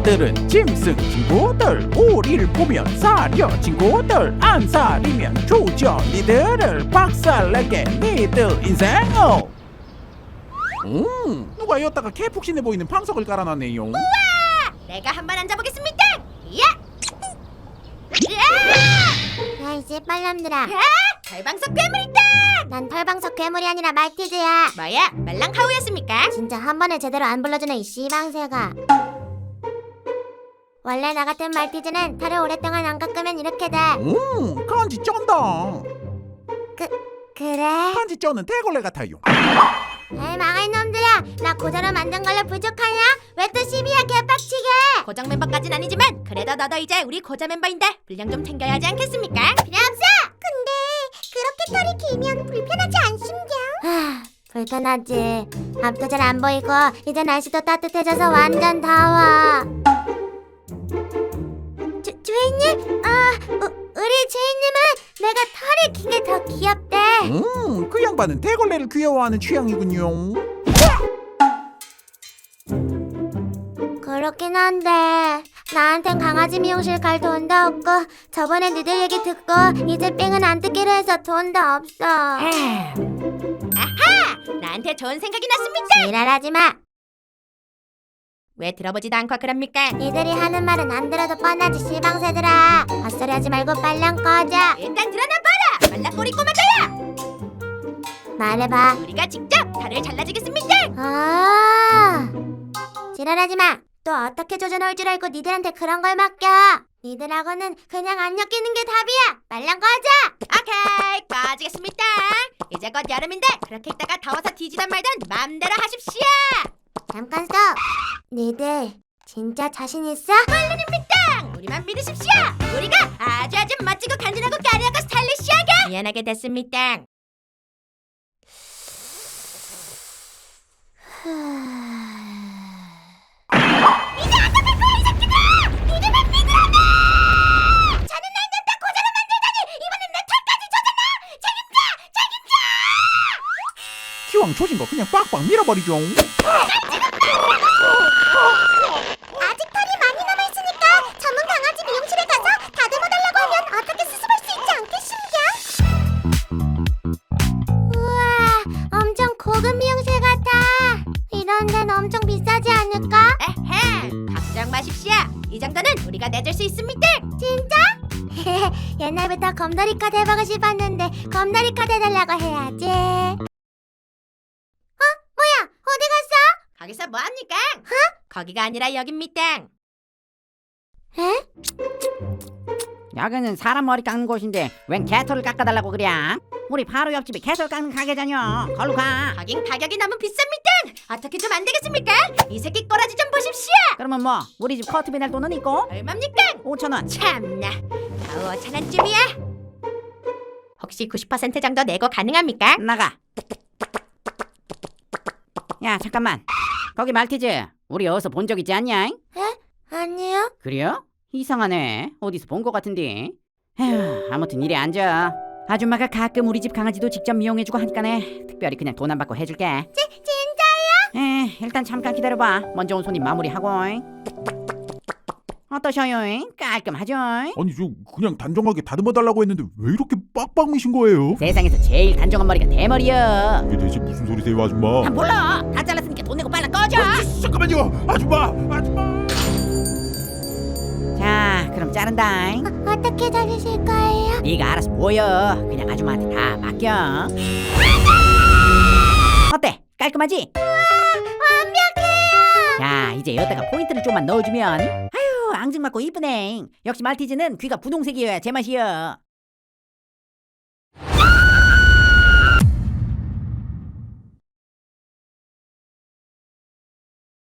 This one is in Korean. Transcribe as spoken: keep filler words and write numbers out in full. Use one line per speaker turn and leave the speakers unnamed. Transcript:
니들은 짐승 친구들, 우리를 보면 사려 친구들, 안 사리면 조져 니들을 박살내게 니들 인생을. 음, 누가 여기다가 개푹신해 보이는 방석을 깔아놨네요.
우와! 내가 한번 앉아보겠습니다. 야! 야!
야이 씨발놈들아,
야! 털방석 괴물이다.
난 털방석 괴물이 아니라 말티즈야.
뭐야? 말랑카우였습니까?
진짜 한 번에 제대로 안 불러주네 이 씨방새가. 원래 나 같은 말티즈는 털을 오랫동안 안 깎으면 이렇게 돼.
음, 간지 쩐다.
그래?
간지 쩌는 대걸레 같아요.
에이 망할 놈들아, 나 고자로 만든 걸로 부족하냐? 왜 또 시비야 개빡치게.
고정 멤버까진 아니지만 그래도 너도 이제 우리 고자 멤버인데 분량 좀 챙겨야 하지 않겠습니까?
필요 없어. 근데 그렇게 털이 길면 불편하지 않습냐? 하, 불편하지. 앞도 잘 안 보이고 이제 날씨도 따뜻해져서 완전 더워. 주, 주인님? 아, 우, 우리 주인님은 내가 털이 긴 게 더 귀엽대.
음, 그 양반은 대걸레를 귀여워하는 취향이군요.
그렇긴 한데 나한텐 강아지 미용실 갈 돈도 없고 저번에 니들 얘기 듣고 이제 삥은 안 뜯기로 해서 돈도 없어.
아하! 나한테 좋은 생각이 났습니다.
지랄하지 마.
왜 들어보지도 않고 그럽니까?
니들이 하는 말은 안 들어도 뻔하지 씨방새들아. 헛소리 하지 말고 빨랑 꺼져.
일단 드러나 봐라. 말랑꼬리 꼬마자야.
말해봐.
우리가 직접 털을 잘라주겠습니다.
아, 지랄하지 마. 또 어떻게 조져놓을 줄 알고 니들한테 그런 걸 맡겨. 니들하고는 그냥 안 엮이는 게 답이야. 말랑 꺼져.
오케이, 꺼지겠습니다. 이제 곧 여름인데 그렇게 있다가 더워서 뒤지던 말든 마음대로 하십시오.
잠깐 스톱. 니들 진짜 자신 있어?
물론입니다. 우리만 믿으십시오. 우리가 아주 아주 멋지고 간지나고 까리하고 스타일리시하게 미안하게 됐습니다. 이제 안 잡힐 거야 이 새끼들! 니들만 믿으라며! 저는 날 냅다 고자로 만들다니 이번엔 내 털까지 젖었나? 책임져! 책임져!
기왕 조진 거 그냥 빡빡 밀어버리죠.
아직 털이 많이 남아있으니까 전문 강아지 미용실에 가서 다듬어달라고 하면 어떻게 수습할 수 있지 않겠습니까? 우와, 엄청 고급 미용실 같아. 이런 데는 엄청 비싸지 않을까?
에헤, 걱정 마십시오. 이 정도는 우리가 내줄 수 있습니다.
진짜? 옛날부터 검다리 카드 해보고 싶었는데 검다리 카드 해달라고 해야지. 어? 뭐야? 어디 갔어?
거기서 뭐합니까? 거기가 아니라 여깁니다.
에?
여기는 사람 머리 깎는 곳인데 웬 개털을 깎아달라고 그래? 우리 바로 옆집에 개털 깎는 가게잖여. 걸로 가.
거긴 가격이 너무 비쌉니다. 어떻게 좀 안 되겠습니까? 이 새끼 꼬라지 좀 보십시오.
그러면 뭐 우리 집 커트비 낼 돈은 있고
얼마입니까?
오천 원.
참나, 겨우 오천 원쯤이야. 혹시 구십 퍼센트 정도 내고 가능합니까?
나가. 야 잠깐만. 거기 말티즈. 우리 어디서 본 적 있지 않냐?
아니요.
그래요? 이상하네. 어디서 본 것 같은데. 에휴, 아무튼 이리 앉아. 아줌마가 가끔 우리 집 강아지도 직접 미용해주고 하니까네. 특별히 그냥 돈 안 받고 해줄게.
지, 진짜요?
에, 일단 잠깐 기다려봐. 먼저 온 손님 마무리하고. 어떠셔요? 깔끔하죠?
아니 저 그냥 단정하게 다듬어달라고 했는데 왜 이렇게 빡빡 미신 거예요?
세상에서 제일 단정한 머리가 대머리야.
이게 대체 무슨 소리세요 아줌마?
아 몰라. 다 잘랐으니까 돈 내고 빨리 꺼져.
아, 잠깐만요 아줌마 아줌마.
자 그럼 자른다.
어, 어떻게 자르실 거예요?
네가 알아서 모여. 그냥 아줌마한테 다 맡겨. 어때? 깔끔하지?
완벽해요.
자 이제 여기다가 포인트를 좀만 넣어주면 아유 앙증맞고 이쁘네. 역시 말티즈는 귀가 분홍색이어야 제맛이여.